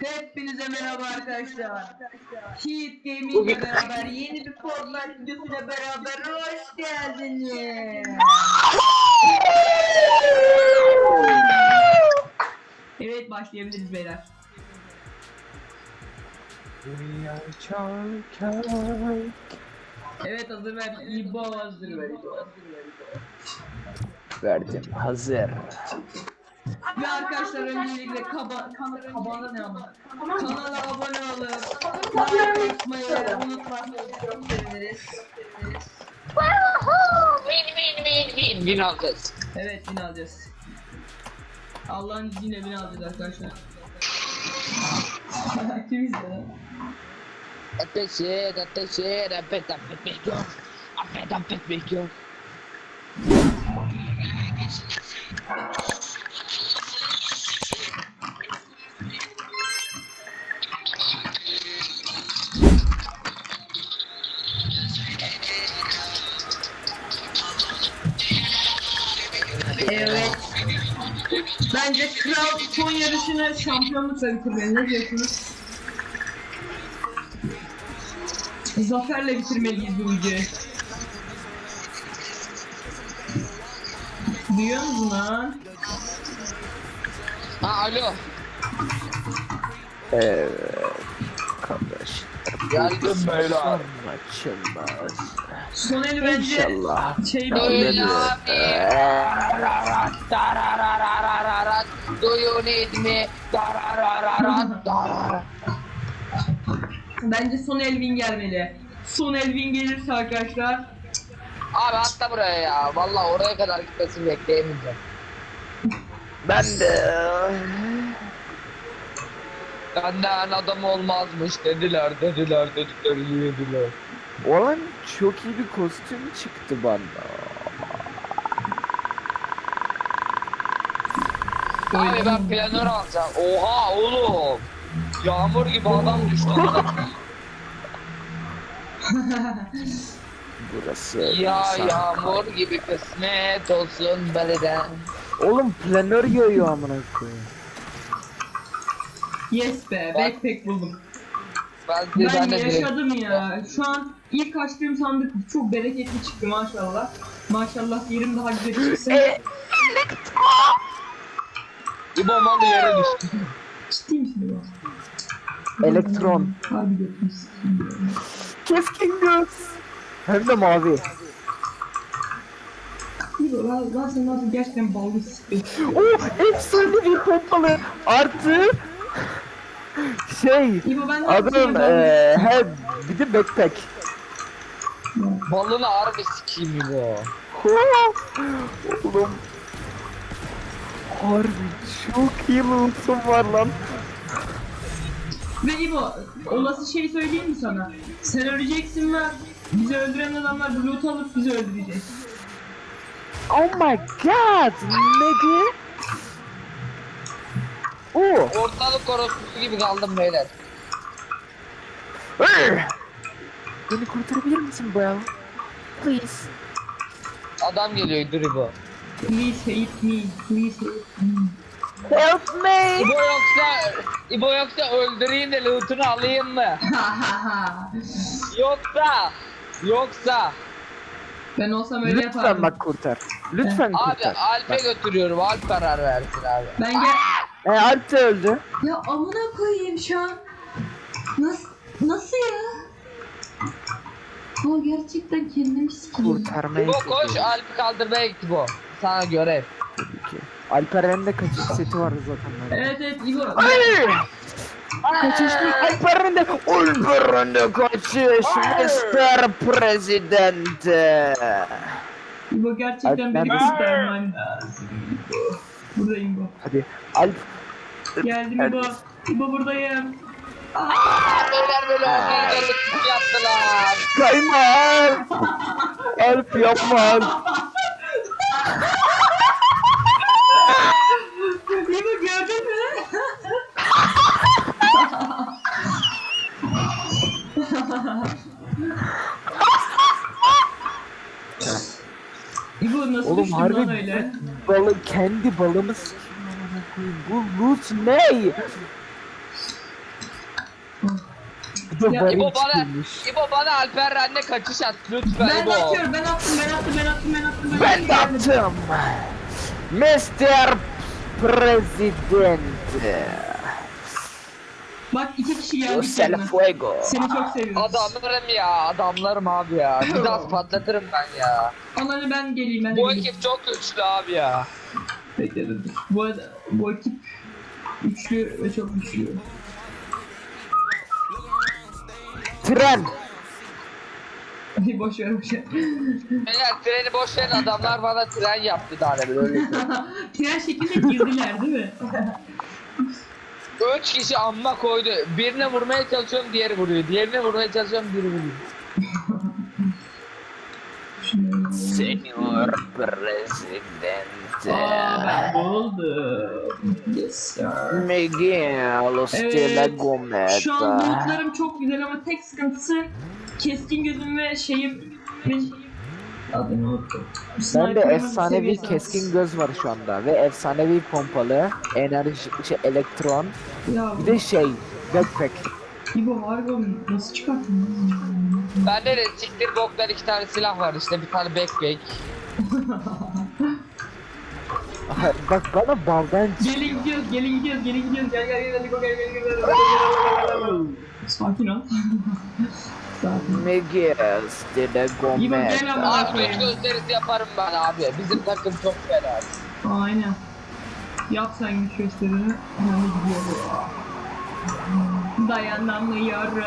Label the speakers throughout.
Speaker 1: Hepinize merhaba arkadaşlar. Heat Gaming ile beraber yeni bir Fortnite videosuyla beraber hoş geldiniz. Evet, başlayabiliriz beyler. Evet, hazır ver. İbo hazır ver.
Speaker 2: Verdim. Hazır.
Speaker 1: Ve arkadaşlar öncelikle kanala ne ama? Kanala abone olup like atmayı unutmazsanız çok seviniriz.
Speaker 3: Win alacağız.
Speaker 1: Evet, win alacağız. Allah'ın izniyle win alacağız arkadaşlar. Kim izledi?
Speaker 3: Ateşe, apet bekliyor. Apet bekliyor.
Speaker 1: Evet. Bence Kral son yarışını şampiyonlukla bitirmeli. Ne diyorsunuz? Zaferle bitirmeliyiz bu videoyu. Duyuyor musun lan?
Speaker 3: Ha alo.
Speaker 2: Evet. Kardeş.
Speaker 3: Geldim beyler.
Speaker 2: Açılmaz.
Speaker 1: Son eli bence
Speaker 2: İnşallah.
Speaker 1: şey
Speaker 3: Do you need me?
Speaker 1: Bence son Elvin gelmeli. Son Elvin gelirse arkadaşlar.
Speaker 3: Abi atla buraya ya. Vallahi oraya kadar gitmesini bekleyemeyeceğim.
Speaker 2: Ben de.
Speaker 3: Benden adam olmazmış dediler yediler.
Speaker 2: Olan çok iyi bir kostüm çıktı bana.
Speaker 3: Abi ben planör alacağım. Oha oğlum. Yağmur gibi adam düştü.
Speaker 2: Burası.
Speaker 3: Ya
Speaker 2: insan.
Speaker 3: yağmur gibi kısmet olsun beleden.
Speaker 2: Oğlum planör yağıyor amına koyayım.
Speaker 1: Yes be, backpack buldum.
Speaker 3: Ben
Speaker 1: Ben
Speaker 3: de
Speaker 1: yaşadım ya. Şu an ilk açtığım sandık çok bereketli çıktı maşallah. Maşallah yerim daha güzel çıksın.
Speaker 3: Bir bombalı yere düştü.
Speaker 1: Ciddi misin bu?
Speaker 2: Elektron.
Speaker 1: Harbi götürmüşsün.
Speaker 2: Keskin göz. Hem de mavi.
Speaker 1: İyi lan sen nasıl gerçekten ballı sıkıyor.
Speaker 2: Oh, efsane bir pompalı. Artı şey.
Speaker 1: İbo ben de
Speaker 2: Adım he bir de backpack.
Speaker 3: Balını harbi sikiyim bu.
Speaker 2: Oğlum. Harbi çok iyi loot'um var lan.
Speaker 1: Ve İbo, olası şey söyleyeyim mi sana? Sen öleceksin ve bizi öldüren adamlar bu loot alıp bizi öldürecek.
Speaker 2: Oh my god, nigga. Oh.
Speaker 3: Ortalık orospusu gibi kaldım beyler.
Speaker 2: Beni kurtarabilir misin bro? Please.
Speaker 3: Adam geliyor Dribo.
Speaker 1: Please help me, please help me.
Speaker 2: Help me.
Speaker 3: İbo yoksa öldüreyim de lootunu alayım mı? Yoksa.
Speaker 1: Ben olsam öyle
Speaker 2: Lütfen
Speaker 1: yapardım.
Speaker 2: bak kurtar. Lütfen
Speaker 3: Abi
Speaker 2: kurtar.
Speaker 3: Alp'e götürüyorum. Alp karar versin abi.
Speaker 1: Ben gel...
Speaker 2: Alp de öldü.
Speaker 1: Ya amına koyayım şu an. Nasıl ya? O gerçekten kendimi sikeyim.
Speaker 2: Kurtarmaya
Speaker 3: İbo koş Alp'i kaldırmaya git İbo. Sana görev.
Speaker 2: Alperen'de kaçış seti vardı zaten.
Speaker 1: Evet İbo.
Speaker 2: Hayır. Kaçış Alperen'de kaçış Mr. President.
Speaker 1: İbo gerçekten beni
Speaker 2: Alp,
Speaker 1: kurtarman lazım. Buradayım İbo.
Speaker 2: Hadi Alp.
Speaker 1: Geldim İbo. İbo buradayım.
Speaker 3: Beyler böyle ortalık yaptılar.
Speaker 2: Kayma Alp. Alp yapma Alp.
Speaker 1: İbo gördün mü? İbo nasıl
Speaker 2: Oğlum
Speaker 1: düştün
Speaker 2: harbi
Speaker 1: lan öyle?
Speaker 2: kendi balımız. Bu loot ne? Bir de
Speaker 1: Ya,
Speaker 2: barış
Speaker 3: İbo bana,
Speaker 2: çıkmış.
Speaker 3: İbo bana Alper Ren'le kaçış at lütfen
Speaker 1: Ben
Speaker 3: İbo.
Speaker 1: de atıyorum, ben attım.
Speaker 2: Ben de attım. Mr. President.
Speaker 1: Bak 2 kişi
Speaker 2: Yo
Speaker 1: geldik
Speaker 2: se
Speaker 1: yanına.
Speaker 2: fuego.
Speaker 1: Seni çok seviyoruz.
Speaker 3: Adamlarım ya, adamlarım abi ya. Bir daha patlatırım ben ya.
Speaker 1: Ananı ben geleyim, ben de
Speaker 3: Bu
Speaker 1: geleyim.
Speaker 3: ekip çok güçlü abi ya.
Speaker 1: Bekle dur. Bu ekip güçlü ve çok güçlü.
Speaker 2: Tren.
Speaker 1: Boş ver.
Speaker 3: Beyler treni boş verin, adamlar bana tren yaptı daha da böyle.
Speaker 1: Tren şeklinde girdiler değil mi?
Speaker 3: 3 kişi amma koydu. Birine vurmaya çalışıyorum, diğeri vuruyor. Diğerine vurmaya çalışıyorum, biri vuruyor. Senyor President.
Speaker 1: Ben buldum. Yes sir.
Speaker 2: Miguel Stella
Speaker 1: Evet.
Speaker 2: Gomez.
Speaker 1: Şu an lootlarım çok güzel ama tek sıkıntısı keskin gözüm ve şeyim. Adını unuttum.
Speaker 2: Ben de
Speaker 1: Sniper'ımın
Speaker 2: efsanevi
Speaker 1: seviyesi
Speaker 2: keskin göz var şu anda ve efsanevi pompalı, enerji, elektron,
Speaker 1: Ya
Speaker 2: bir de şey, backpack.
Speaker 1: İbo var mı? Nasıl çıkarttın?
Speaker 3: Bende de siktir boklar 2 tane silah var işte, bir tane backpack.
Speaker 2: Bak bana baldan
Speaker 1: Gelin gidiyoruz. Gel İbo, gel. Sakin ol. Sakin.
Speaker 2: Miguel Stella
Speaker 1: İbo
Speaker 2: Gomez.
Speaker 1: gel ama.
Speaker 3: Abi güç gösterisi yaparım ben abi. Bizim takım çok fena.
Speaker 1: Aynen. Yap sen güç gösterini. Yani gidiyor. Dayanamıyorum.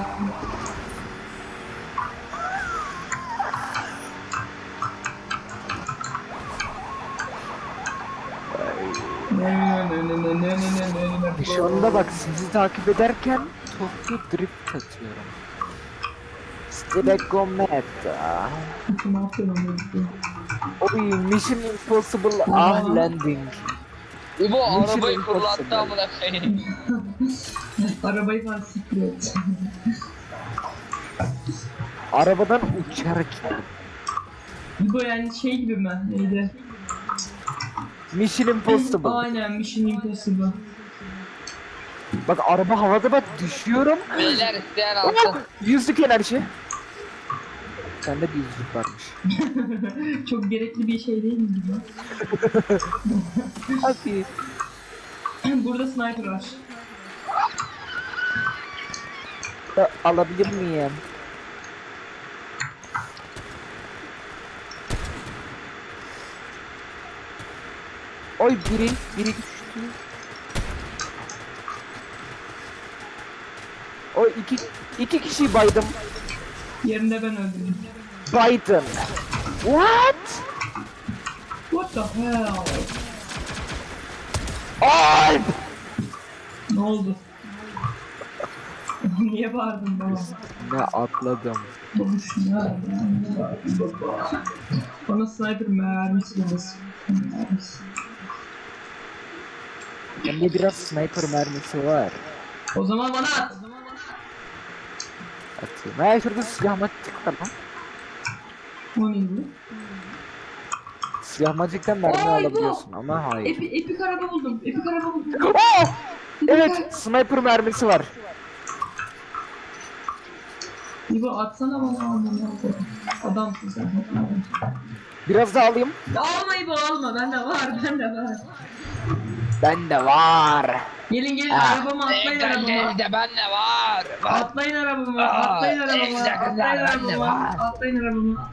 Speaker 2: Şu anda bak sizi takip ederken Tokyo Drift atıyorum. Stella Gomez.
Speaker 1: Ne yapıyorum?
Speaker 2: Oy Mission Impossible landing.
Speaker 3: İbo
Speaker 2: Mission
Speaker 3: arabayı
Speaker 2: Impossible.
Speaker 3: fırlattı amına koyayım.
Speaker 1: Arabayı falan siktir et.
Speaker 2: Arabadan uçarken.
Speaker 1: Bu yani şey gibi mi? Neydi?
Speaker 2: Mission Impossible.
Speaker 1: Aynen Mission Impossible.
Speaker 2: Bak araba havada bak düşüyorum.
Speaker 3: Beyler isteyen
Speaker 2: Oh,
Speaker 3: alsın.
Speaker 2: yüzlük enerji. Sende bir yüzlük varmış.
Speaker 1: Çok gerekli bir şey değil mi bu?
Speaker 2: Hadi.
Speaker 1: Burada sniper var.
Speaker 2: Alabilir miyim? Oy biri düştü. O iki kişi baydım.
Speaker 1: Yerinde ben öldüm.
Speaker 2: Biden. What?
Speaker 1: What the hell?
Speaker 2: Alp!
Speaker 1: Ne oldu? Niye bağırdın bana?
Speaker 2: Ne atladım.
Speaker 1: Konuş ya. Bana sniper mermisi lazım.
Speaker 2: Bende biraz sniper mermisi var.
Speaker 1: O zaman bana at.
Speaker 2: Atayım. Ha şurada silah maçık var lan.
Speaker 1: O neydi?
Speaker 2: Silah maçıktan mermi
Speaker 1: Ay, bu.
Speaker 2: alabiliyorsun ama hayır.
Speaker 1: Epik araba buldum.
Speaker 2: Oh! Evet sniper mermisi var.
Speaker 1: İbo atsana bana. Adamsın sen.
Speaker 2: Biraz daha alayım.
Speaker 1: Alma İbo alma. Bende var.
Speaker 2: Bende var.
Speaker 1: Gelin
Speaker 2: Ah.
Speaker 1: arabama atlayın arabama.
Speaker 3: Evde ben de var.
Speaker 1: Atlayın arabama. Atlayın arabama.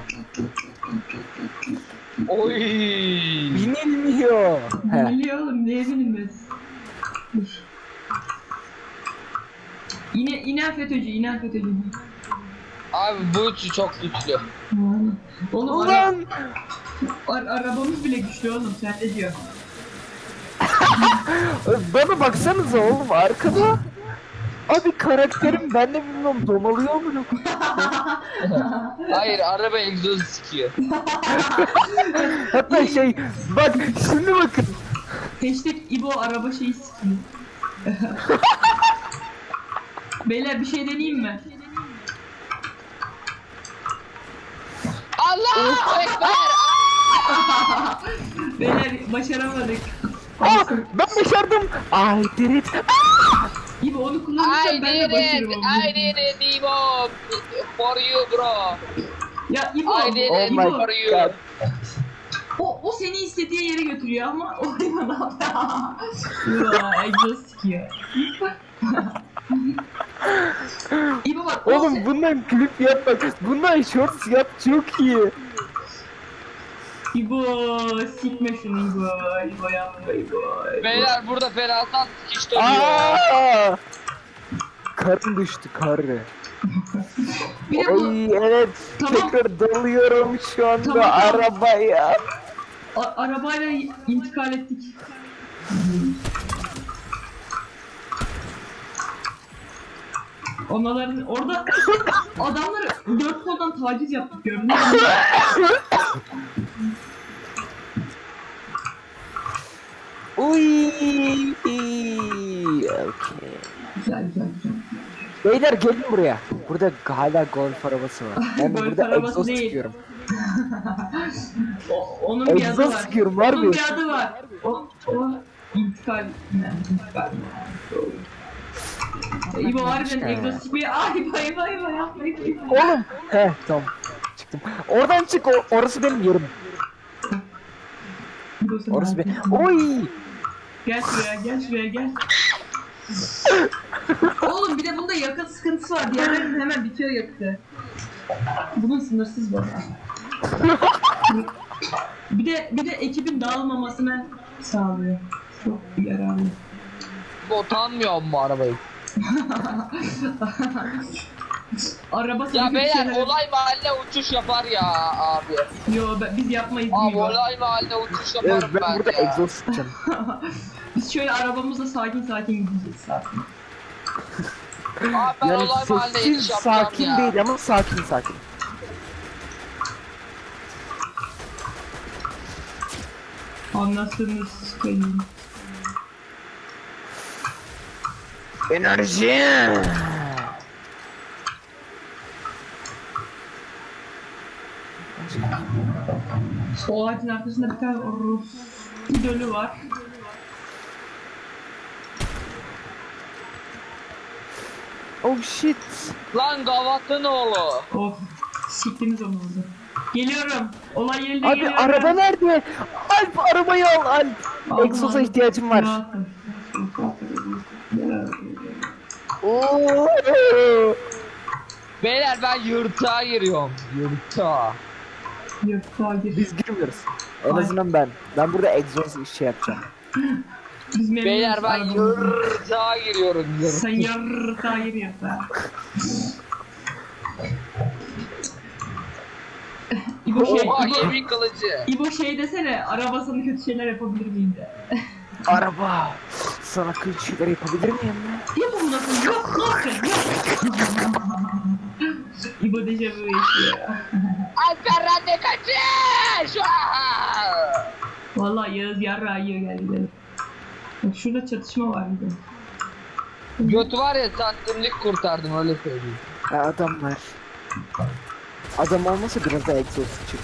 Speaker 3: Oy.
Speaker 2: Binilmiyor. He.
Speaker 1: Biliyor oğlum niye binilmez? Dur. İnen FETÖ'cü.
Speaker 3: Abi bu üçü çok güçlü.
Speaker 1: Aynen. Oğlum
Speaker 2: Ulan!
Speaker 1: arabamız bile güçlü oğlum sen ne diyorsun?
Speaker 2: Bana baksanıza oğlum arkada. Abi karakterim ben de bilmiyorum domalıyor mu?
Speaker 3: Hayır, araba egzozu sikiyor.
Speaker 2: Hatta şey bak şimdi bakın.
Speaker 1: Hashtag İbo araba şeyi sikiyor. Beyler bir şey deneyeyim mi?
Speaker 3: Allahu Ekber.
Speaker 1: Beyler başaramadık.
Speaker 2: Aa ben başardım. Ay dirit.
Speaker 1: İbo onu kullanırsan
Speaker 3: I
Speaker 1: ben
Speaker 3: did
Speaker 1: de başarım
Speaker 3: it.
Speaker 1: onu.
Speaker 3: I did it İbo. For you bro.
Speaker 1: Ya İbo,
Speaker 3: I did
Speaker 2: Oh
Speaker 3: it
Speaker 2: my
Speaker 3: for you.
Speaker 2: god.
Speaker 1: o seni istediği yere götürüyor ama o İbo ne yapıyor? Ya egzoz sikiyor. İbo bak
Speaker 2: Oğlum bundan klip yapmak, bundan shorts yap çok iyi.
Speaker 1: İbo sikme şunu İbo. İbo yapma İbo.
Speaker 3: Beyler burada ferasat hiç dönüyor.
Speaker 2: Aa! Karın düştü karı.
Speaker 1: Bir de bu
Speaker 2: Ay evet,
Speaker 1: Tamam.
Speaker 2: tekrar dalıyorum şu anda
Speaker 1: Tamam.
Speaker 2: arabaya.
Speaker 1: arabayla intikal ettik. Onların orada adamları 4 koldan taciz yaptık gördün mü?
Speaker 2: Uy. Okay.
Speaker 1: Güzel güzel güzel.
Speaker 2: Beyler gelin buraya. Burada hala golf arabası var. Ben
Speaker 1: Golf
Speaker 2: burada
Speaker 1: arabası
Speaker 2: egzoz
Speaker 1: değil.
Speaker 2: çıkıyorum.
Speaker 1: Onun bir adı
Speaker 2: Egzoz
Speaker 1: var.
Speaker 2: sıkıyorum, var
Speaker 1: Onun
Speaker 2: mı?
Speaker 1: bir adı var. O intikal. İntikal. İbo harbiden egzoz sıkmıyor. Ay İbo yapma İbo.
Speaker 2: Oğlum. Heh tamam. Çıktım. Oradan çık, orası benim yerim.
Speaker 1: İbo sen
Speaker 2: Orası
Speaker 1: hadi.
Speaker 2: benim. Oy.
Speaker 1: Gel şuraya gel. Oğlum bir de bunda yakıt sıkıntısı var. Diğerlerinin hemen bitiyor yakıtı. Bunun sınırsız bu. bir de ekibin dağılmamasını sağlıyor. Çok yararlı.
Speaker 3: Utanmıyor mu arabayı?
Speaker 1: Araba sana
Speaker 3: Ya
Speaker 1: kötü
Speaker 3: beyler
Speaker 1: şeyler-
Speaker 3: olay mahalle uçuş yapar ya abi.
Speaker 1: Yo biz yapmayız
Speaker 3: Abi
Speaker 1: değil mi?
Speaker 3: olay mahalle uçuş
Speaker 2: Evet,
Speaker 3: yaparım
Speaker 2: ben burada
Speaker 3: ya.
Speaker 2: egzoz sıkacağım.
Speaker 1: Biz şöyle arabamızla sakin gideceğiz sakin.
Speaker 3: Abi ben
Speaker 2: Yani
Speaker 3: olay mahalle
Speaker 2: sessiz
Speaker 3: iş yapacağım
Speaker 2: sakin
Speaker 3: ya.
Speaker 2: değil ama sakin.
Speaker 1: Anlarsınız koyayım.
Speaker 2: Enerji.
Speaker 1: O ağacın arkasında bir tane Rus idolü var.
Speaker 2: Oh shit.
Speaker 3: Lan gavatın oğlu.
Speaker 1: Of siktiniz onu orada. Geliyorum. Olay yerine
Speaker 2: Abi
Speaker 1: geliyorum.
Speaker 2: araba nerede? Alp arabayı al Alp.
Speaker 1: Aldım,
Speaker 2: Egzoza
Speaker 1: aldım.
Speaker 2: ihtiyacım var.
Speaker 1: Rahatım.
Speaker 2: Oo.
Speaker 3: Beyler ben yırtığa giriyorum. Yırtığa.
Speaker 1: Yok daha gir.
Speaker 2: Biz girmiyoruz. En azından ben. Ben burada egzoz işi yapacağım.
Speaker 1: Biz memnunuz
Speaker 3: Beyler ben
Speaker 1: arabamızdan.
Speaker 3: yırtığa giriyorum.
Speaker 1: Sen yarrrrta giriyorsun ha.
Speaker 3: Oha yemin kılıcı.
Speaker 1: İbo şey desene, arabasını kötü şeyler yapabilir miyim de.
Speaker 2: Araba. Sana kötü şeyler yapabilir miyim lan?
Speaker 1: Yap onu nasıl? Yok, nasıl? Yok. İbo dejavu yaşıyor.
Speaker 3: Alperen de kaçış.
Speaker 1: Vallahi Yağız yarrağı yiyor gel gidelim. Bak şurada çatışma var bir de.
Speaker 3: Götü var ya santimlik kurtardım öyle söyleyeyim.
Speaker 2: Ha, adamlar. Adam olmasa biraz da egzoz çık.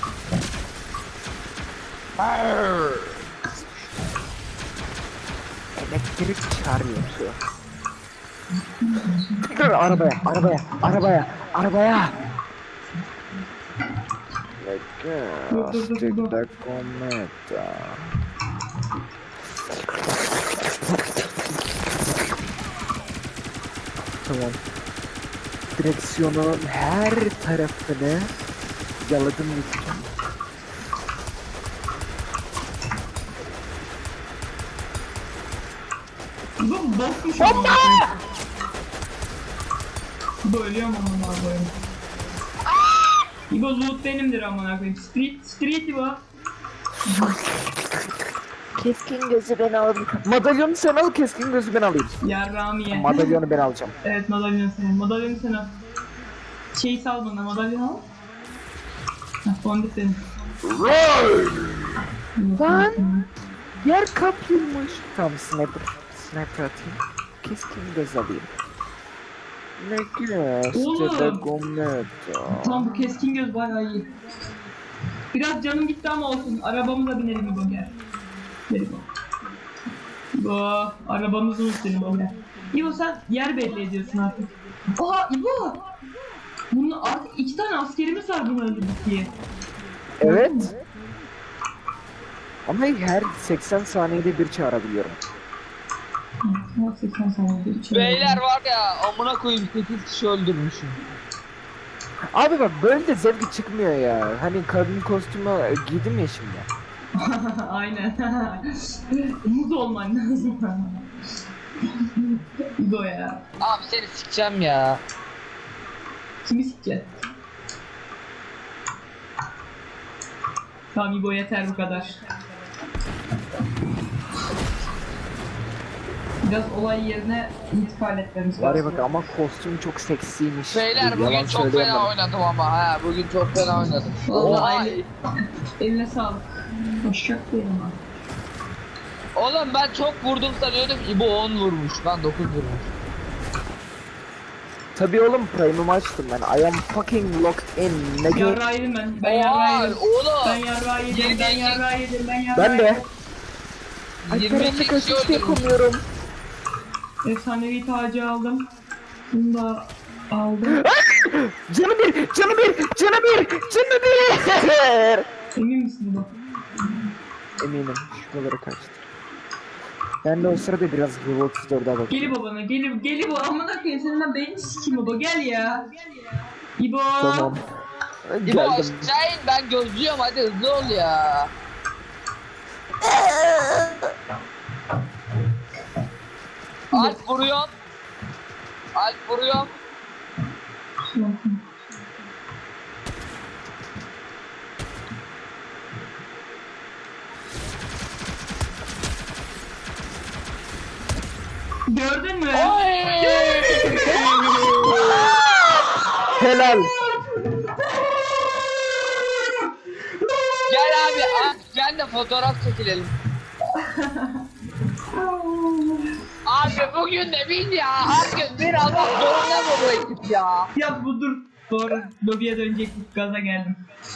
Speaker 2: Elektrik çağırıyor şu. Tekrar arabaya.
Speaker 1: Dur.
Speaker 2: Da cometa. Tamam. Direksiyonun her tarafını yaladım lütfen.
Speaker 1: İbo bokmuş ama. İbo ölüyorum amına koyayım. İbo loot benimdir amına koyayım. Street İbo.
Speaker 2: Keskin gözü ben aldım. Madalyonu sen al, keskin gözü ben alayım.
Speaker 1: Yarrağım ye.
Speaker 2: Madalyonu ben alacağım.
Speaker 1: Evet madalyonu sen al. Madalyonu sen al. Şeyi sal bana madalyonu al. Hah fondip benim.
Speaker 2: Lan! Yer kapılmış. Tamam sniper atayım. Keskin göz alayım. Ne
Speaker 1: Oğlum!
Speaker 2: de gometa.
Speaker 1: Tamam bu keskin göz bayağı iyi. Biraz canım gitti ama olsun. Arabamıza binelim İbo gel. Gel İbo. İbo, arabamız unuttum bana. İbo sen yer belli ediyorsun artık. Oha İbo! Bunun artık 2 tane askerimiz var bunu öldürdük diye.
Speaker 2: Evet. Ama her 80 saniyede bir çağırabiliyorum.
Speaker 1: Hı, 80 saniyede üç
Speaker 3: Beyler var ya amına koyayım 8 kişi öldürmüşüm.
Speaker 2: Abi bak böyle de zevki çıkmıyor ya. Hani kadın kostümü giydim ya şimdi.
Speaker 1: Aynen. Umut olman lazım. İbo ya.
Speaker 3: Abi seni sikeceğim ya.
Speaker 1: Kimi sikeceksin? Tamam İbo yeter bu kadar. Biraz olay yerine intikal etmemiz
Speaker 2: Var ya
Speaker 1: lazım.
Speaker 2: bak ama kostüm çok seksiymiş.
Speaker 3: Beyler
Speaker 2: Yalan
Speaker 3: bugün çok
Speaker 2: söyleyemem.
Speaker 3: fena oynadım ama ha bugün çok fena oynadım.
Speaker 1: Vallahi
Speaker 3: Oha.
Speaker 1: eline sağlık. Hoşçak diyelim abi.
Speaker 3: Oğlum ben çok vurdum sanıyordum İbo 10 vurmuş ben 9 vurmuş.
Speaker 2: Tabii oğlum prime'ımı açtım ben. I am fucking locked in. Ne
Speaker 1: Yarrağı yedim ben. Ben
Speaker 3: Oha
Speaker 1: yarrağı yedim.
Speaker 3: oğlum.
Speaker 1: Ben yarrağı yedim. Ben yarrağı yedim. Ben yarrağı
Speaker 2: Ben de.
Speaker 1: yedim.
Speaker 2: Ay
Speaker 3: 22
Speaker 2: karanlık
Speaker 3: kişi
Speaker 2: açık
Speaker 3: öldürmüş.
Speaker 2: yapamıyorum.
Speaker 1: Efsanevi tacı aldım. Bunu da aldım.
Speaker 2: Canı bir, canı bir, canı bir, canı bir.
Speaker 1: Emin misin bu?
Speaker 2: Eminim şuralara kaçtı. Ben de o sırada biraz Hero 34'e bakıyorum.
Speaker 1: Gel babana, gel İbo. Amına koyayım senin ben beynini sikeyim İbo. Gel ya. İbo.
Speaker 2: Tamam.
Speaker 3: İbo
Speaker 2: Geldim.
Speaker 3: aşağı in ben gözlüyorum hadi hızlı ol ya. Alp vuruyorum. Alp vuruyorum.
Speaker 1: Gördün mü?
Speaker 3: Oy!
Speaker 2: Helal.
Speaker 3: Gel abi Alp gel de fotoğraf çekilelim. Abi bugün de bin ya. Her gün bir almak zorunda mı bu ekip ya?
Speaker 1: Ya bu dur. Doğru. Lobiye dönecektik. Gaza geldim.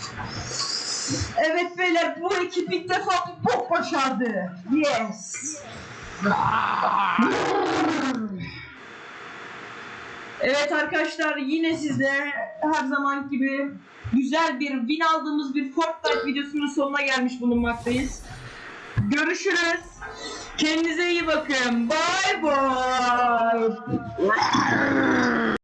Speaker 1: Evet beyler bu ekip ilk defa bir bok başardı. Yes. Evet arkadaşlar yine sizde her zaman gibi güzel bir win aldığımız bir Fortnite videosunun sonuna gelmiş bulunmaktayız. Görüşürüz. Kendinize iyi bakın. Bye bye.